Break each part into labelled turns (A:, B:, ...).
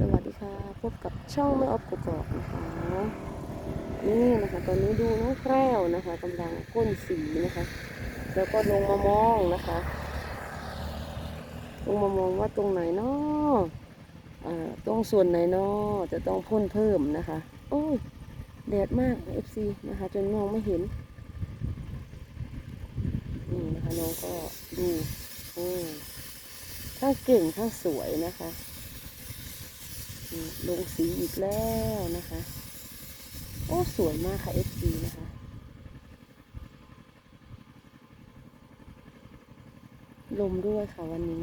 A: วัสดีค่ะพบกับช่องแม่ออฟกกอกนะคะนี่นะคะตอนนี้ดูน้องแพรวนะคะกำลังก้นสีนะคะแล้วก็ลงมามองนะคะลงมามองว่าตรงไหนเนาะตรงส่วนไหนเนาะจะต้องพ่นเพิ่มนะคะโอ้ยแดดมาก FC นะคะจนมองไม่เห็นนี่นะคะน้องก็ดูทั้งเก่งทั้งสวยนะคะลงสีอีกแล้วนะคะโอ้สวยมากค่ะ FC นะคะลมด้วยค่ะวันนี้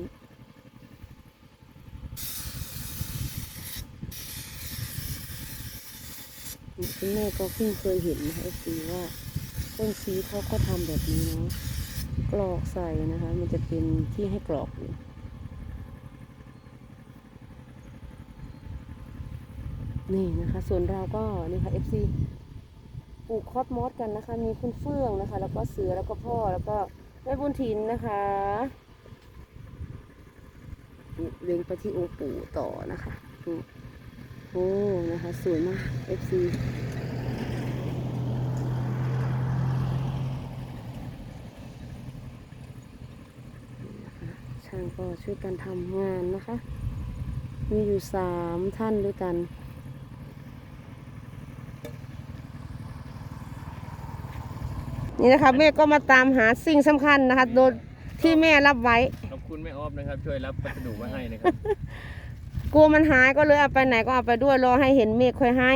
A: คุณแม่ก็เพิ่งเคยเห็นนะคะ FC ว่าต้นสีเขาก็ทำแบบนี้เนาะกรอกใส่นะคะมันจะเป็นที่ให้กรอกอยู่นี่นะคะส่วนเราก็นี่ค่ะ FC ปลูกคอสมอสกันนะคะมีคุณเฟื่องนะคะแล้วก็เสือแล้วก็พ่อแล้วก็แม่บุญถิ่นนะคะเล็งไปที่องค์ปู่ต่อนะคะโอ้นะคะสวยมาก FC ช่างก็ช่วยกันทำงานนะคะมีอยู่3 ท่านด้วยกันนี่นะคะแม่ก็มาตามหาสิ่งสำคัญนะคะโดยที่แม่รับไว้
B: ขอบคุณแม่ออฟนะครับช่วยรับพัสดุมาให้นะครับ
A: กลัวมันหายก็เลยเอาไปไหนก็เอาไปด้วยรอให้เห็นเมฆค่อยให้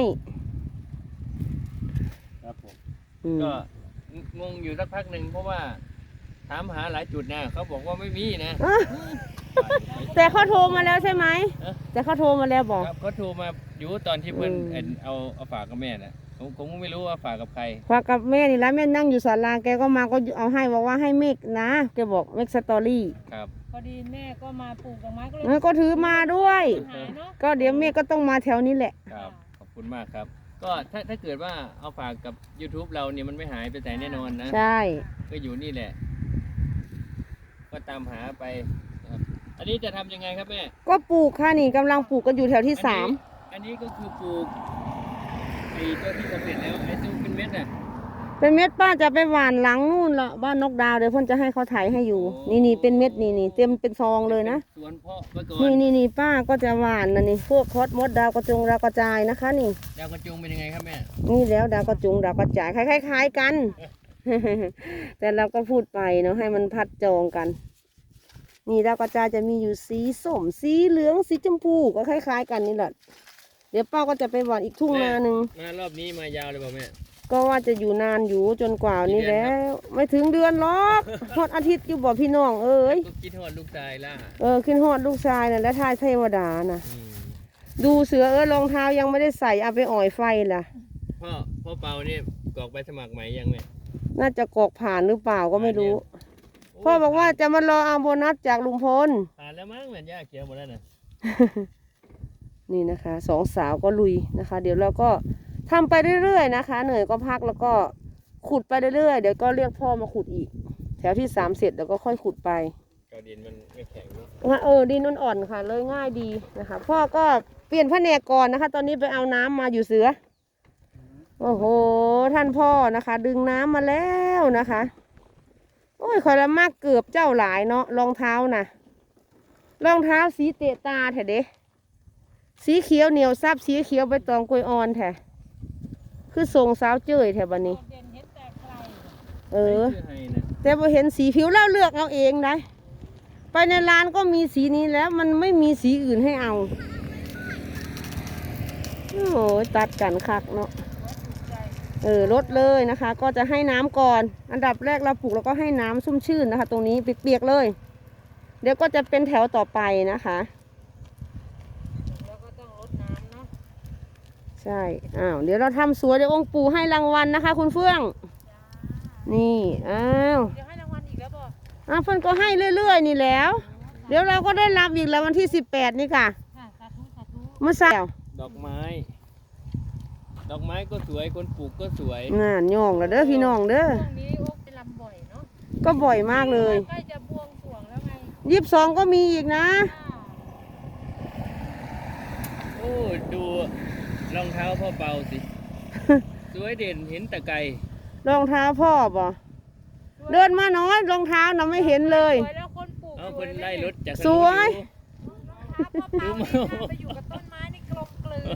B: ครับผมก็งงอยู่สักพักหนึ่งเพราะว่าถามหาหลายจุดนะเขาบอกว่าไม่มีนะ
A: แต่เขาโทรมาแล้วใช่ไหมแต่เขาโทรมาแล้วบอก
B: เขาโทรมาอยู่ตอนที่เพื่อนเอาฝากกับแม่น่ะผมไม่รู้ว่าฝากกับใคร
A: ฝากกับแม่นี่แล้วแม่นั่งอยู่ศาลาแกก็มาก็เอาให้บอกว่าให้เมฆนะแกบอกเมฆสตอรี่
B: ครับ
C: พอดีแม่ก็มาปลูกดอกไม้ก็เลย
A: ก็ถือมาด้วยก็เดี๋ยวเมฆก็ต้องมาแถวนี้แหละ
B: ครับขอบคุณมากครับก็ถ้าเกิดว่าเอาฝากกับ YouTube เราเนี่ยมันไม่หายไปไหนแน่นอนนะ
A: ใช่
B: ก็อยู่นี่แหละก็ตามหาไปอันนี้จะทำยังไงครับแม่
A: ก็ปลูกค่ะนี่กำลังปลูกกันอยู่แถวที่3
B: อันนี้ก็คือปลูกไอ้ตัวที่สำเร็จแล้วไอ้ตัวเป็นเม็ดอ่ะ
A: เป็นเม็ดป้าจะไปหว่านหลังนู่นละบ้านนกดาวเดี๋ยวพ่นจะให้เขาถ่ายให้อยู่นี่เป็นเม็ดนี่เต็มเป็นซองเลยนะ
B: สวนเพาะไปก่อน
A: นี่ป้าก็จะหว่านนี่พวกคอสมดดาวกระจงดาวกระจายนะคะนี่
B: ดาวกระจงเป็นยังไงครับแม่
A: นี่แล้วดาวกระจงดาวกระจายคล้ายๆกัน แต่เราก็พูดไปเนาะให้มันพัดจองกันนี่ดาวกระจายจะมีอยู่สีส้มสีเหลืองสีชมพูก็คล้ายๆกันนี่แหละเดี๋ยวป้าก็จะไปหว่านอีกทุ่งนาหนึ่ง
B: มารอบนี้มายาวเลยเปล่าแม่
A: ก็ว่าจะอยู่นานอยู่จนกว่านี้แล้วไม่ถึงเดือนหรอกทอดอาทิตย์อยู่บ่พี่น้องเอ้ย
B: คิดทอดลูกชายล่ะ
A: คิดทอดลูกชายน่ะและทายเทวดาน่ะดูเสือรองเท้ายังไม่ได้ใส่เอาไปอ่อยไฟล่ะ
B: พ่อเปาเนี่ยกรอกใบสมัครใหม่ยังแม่
A: น่าจะกรอกผ่านหรือเปล่าก็ไม่รู้พ่อบอกว่าจะมารอเอาโบนัสจากลุงพล
B: ผ่านแล้วมั้งเหมือนย่าเขียวหมดแล้วนะ
A: นี่นะคะ2 สาวก็ลุยนะคะเดี๋ยวเราก็ทำไปเรื่อยๆนะคะเหนื่อยก็พักแล้วก็ขุดไปเรื่อยๆเดี๋ยวก็เรียกพ่อมาขุดอีกแถวที่3เสร็จแล้วก็ค่อยขุดไป
B: ก็ดินมันไม่แข็งเนา
A: ะดินมันอ่อนค่ะเลยง่ายดีนะคะพ่อก็เปลี่ยนแผนกก่อนนะคะตอนนี้ไปเอาน้ำมาอยู่เสือโอ้โหท่านพ่อนะคะดึงน้ำมาแล้วนะคะโอ้ยคอยละมากเกือบเจ้าหลายเนาะรองเท้านะรองเท้าสีเตะตาแท้เด้สีเขียวเหนียวซับสีเขียวใบตองกล้วยอ่อนแท้คือทรงสาวเจ้ยแถวบ้านนี้แต่พอเห็นสีผิวแล้วเลือกเอาเองได้ไปในร้านก็มีสีนี้แล้วมันไม่มีสีอื่นให้เอาโอ้ยตัดกันคักเนาะลดเลยนะคะก็จะให้น้ำก่อนอันดับแรกเราปลูกแล้วก็ให้น้ำชุ่มชื่นนะคะตรงนี้เปียกๆเลยเดี๋ยวก็จะเป็นแถวต่อไปนะคะใช่เดี๋ยวเราทำสวยเดี๋ยวองค์ปู่ให้รางวัลนะคะคุณเฟื่องนี่
C: เดี๋ยวให้รางวัลอีกแล้ว
A: บ่เฟื่องก็ให้เรื่อยๆนี่แล้วเดี๋ยวเราก็ได้รับอีกแล้ววันที่18นี่ค่ะเมื่อเช้า
B: ดอกไม้ก็สวยคนปลูกก็สวย
A: ย่องแล้วเด้อพี่น้องเด้อ
C: ช่วงนี้โอ๊กไปลำบ่อยเนาะ
A: ก็บ่อยมากเลย
C: ใกล้จะบวงสรวงแล้วไง
A: 22ก็มีอีกนะ
B: โอ้อ้ดูรองเท้าพ่อเปาสิ สวยเด่นเห็นแต่ไกล
A: รองเท้าพ่อบ่เดินมาน้อยรองเท้าน่ะไม่เห็นเลย
C: สวยแล้วคนปลูก
B: เอาคนไล่รถจาก
A: สวย
C: ดูมาไปอยู่กับต้นไม้นี่กลมกลืน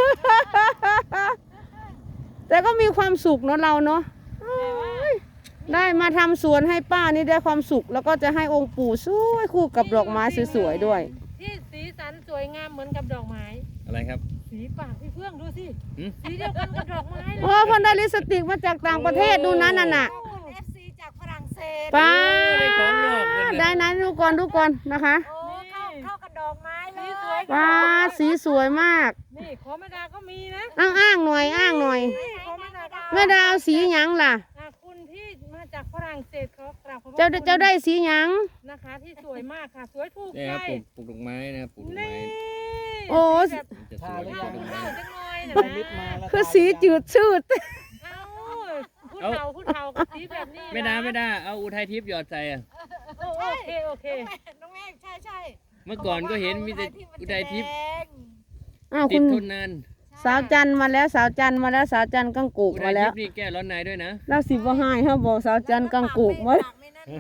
A: แต่ก็มีความสุขเนาะเราเนาะได้มาทำสวนให้ป้านี่ได้ความสุข แล้วก็จะให้องค์ปู่สวยคู่กับดอกไม้สวยๆด้วย
C: ที่สีสันสวยงามเหมือนกับดอกไม้
B: อะไรครับ
C: สีปากพี่เฟื่องดูสิ
B: หืม
C: สีเดียวกันกับดอกไม้เลย
A: โอ้คนได้ลิปสติกมาจากต่างประเทศดูนั้นน่ะ
C: FC จากฝรั่งเศส
A: ป้า
B: ได้ของนอกเลย
A: ได้นั้นดูก่อนดูก่อนนะคะ
C: โอ้เข้ากับดอกไม้เลยสวย
A: ป้าสีสวยมาก
C: นี่ขอแม่ดาก็มีนะ
A: อ้างหน่อยอ้างหน่อย
C: ขอแม่ดาก็
A: แม่ดาวสีหยังล่ะ
C: คุณที่มาจากฝรั่งเศสเขากราบขอบพระ
A: เจ้า
C: คุณ
A: เจ้าได้สีหยัง
C: นะคะที่สวยมากค่ะสวยถูก
B: เนี่ย
C: ใจ
B: ครับปลูกดอกไม้นะครับปลูกดอก
C: นี่
B: ไม้
A: โอ้
C: แบบ
B: มันจะสวย
C: เข้า
B: ดอก
C: เข้า
B: ไม้
C: จังเลยนะ
D: ไปลิฟต์มาแล้ว
A: คือสีจืดชืด
C: เอ้าผู้เฒ่ากับสีแบบนี้
B: ไม่ได้เอาอุทัยทิพย์หยอดใส่อะ
C: โอเค
D: น้องแม่ใช่
B: เมื่อก่อนก็เห็นมีแต่อุทัยทิพย์
A: อ้าว
B: ติ
A: คุ
B: ด
A: ณ
B: ทนนาน
A: สาวจันทร์มาแล้วสาวจันทร์มาแล้วสาวจันทร์กังกูก
B: อุทั
A: มาย แล้
B: ทิ
A: ว
B: พย์นี่แก้ร้อนในด้วยนะ
A: แล้วสิบ่ให้เฮาบอกสาวจันทร์กังกูกมาแล้ว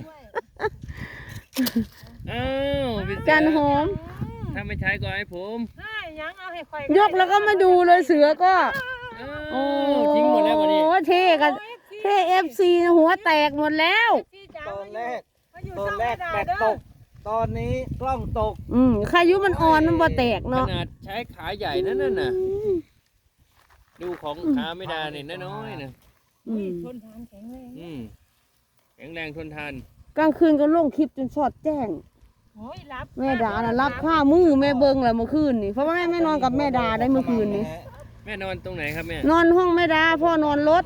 B: อ้าวพี่เสือ
A: จันหอม
B: ถ้าไม่ใช้ก็ให้ผม
C: ใช่ยังเอาให้ข่อย
A: ยกแล้วก็มาดูเลยเสือก็
B: อ้าวทิ้งหมดแล้ววันนี้
A: โอ้เท่กันเท่FC หัวแตกหมดแล้ว
D: ตอนแรกแบตตก ตอนนี้กล้องตก
A: ขายุมันอ่อนมันบ่แตก
B: ข
A: เนาะ
B: นาดใช้ขาใหญ่นั่นน่ะ ดูของขาไม่ได้เนี่ยน้อยๆนะ
A: อืม
C: ทนทานแข็งแรง
B: แข็งแรงทนทาน
A: กลางคืนก็ลงคลิปจนสอดแจ้ง
C: โอ้ยรับ
A: แม่ดาน่ะรับข้ามือแม่เบิ่งแหละเมื่อคืนนี่เพราะว่าแม่ไม่นอนกับแม่ดาได้เมื่อคืนนี้
B: แม่นอนตรงไหนครับแม่
A: นอนห้องแม่ดาพ่อนอนรถ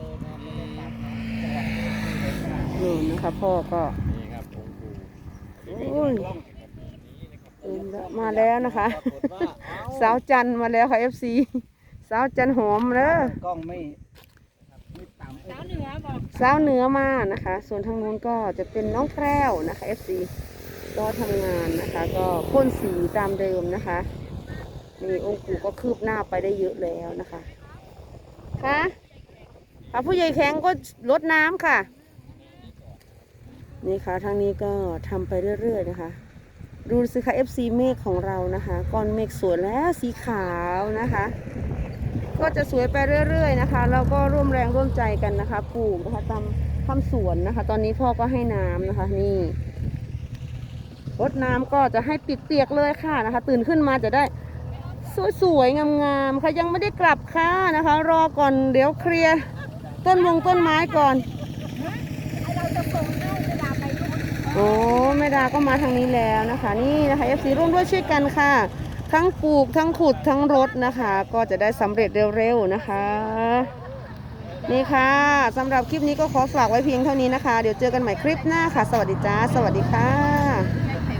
A: นี่นะคะพ่อก็
B: นี่ครับองค์ปู่
A: โอ้ยมาแล้วนะคะ สาวจันทร์มาแล้วค่ะ FC สาวจันหอมเด้อก
D: ล้องไม่ต่ำ
C: สาวเหนือบอก
A: สาวเหนือมานะคะ ส่วนทางนู้นก็จะเป็นน้องแพรวนะคะ FC ก็ทำงานนะคะ ก็พ่นสีตามเดิมนะคะนี่องค์ปู่ก็คืบหน้าไปได้เยอะแล้วนะคะค่ะผู้ใหญ่แข็งก็ลดน้ำค่ะ นี่ค่ะทางนี้ก็ทำไปเรื่อยๆนะคะ ดูสิคะ FC เมฆของเรานะคะก้อนเมฆสวยแล้วสีขาวนะคะ ก็จะสวยไปเรื่อยๆนะคะเราก็ร่วมแรงร่วมใจกันนะคะปลูกนะคะทำสวนนะคะ ตอนนี้พ่อก็ให้น้ำนะคะนี่รดน้ำก็จะให้เปียกๆเลยค่ะนะคะ ตื่นขึ้นมาจะได้สวยๆงามๆค่ะยังไม่ได้กลับค่ะนะคะ รอก่อนเดี๋ยวเคลียร์ต้นไม้ก่อนโอ้แม่ดาก็มาทางนี้แล้วนะคะนี่นะคะ FC ร่วมด้วยช่วยกันค่ะ ทั้งปลูกทั้งขุดทั้งรดนะคะ ก็จะได้สำเร็จเร็วๆนะคะ นี่ค่ะสำหรับคลิปนี้ก็ขอฝากไว้เพียงเท่านี้นะคะ เดี๋ยวเจอกันใหม่คลิปหน้าค่ะ สวัสดีจ้าสวัสดีค่ะ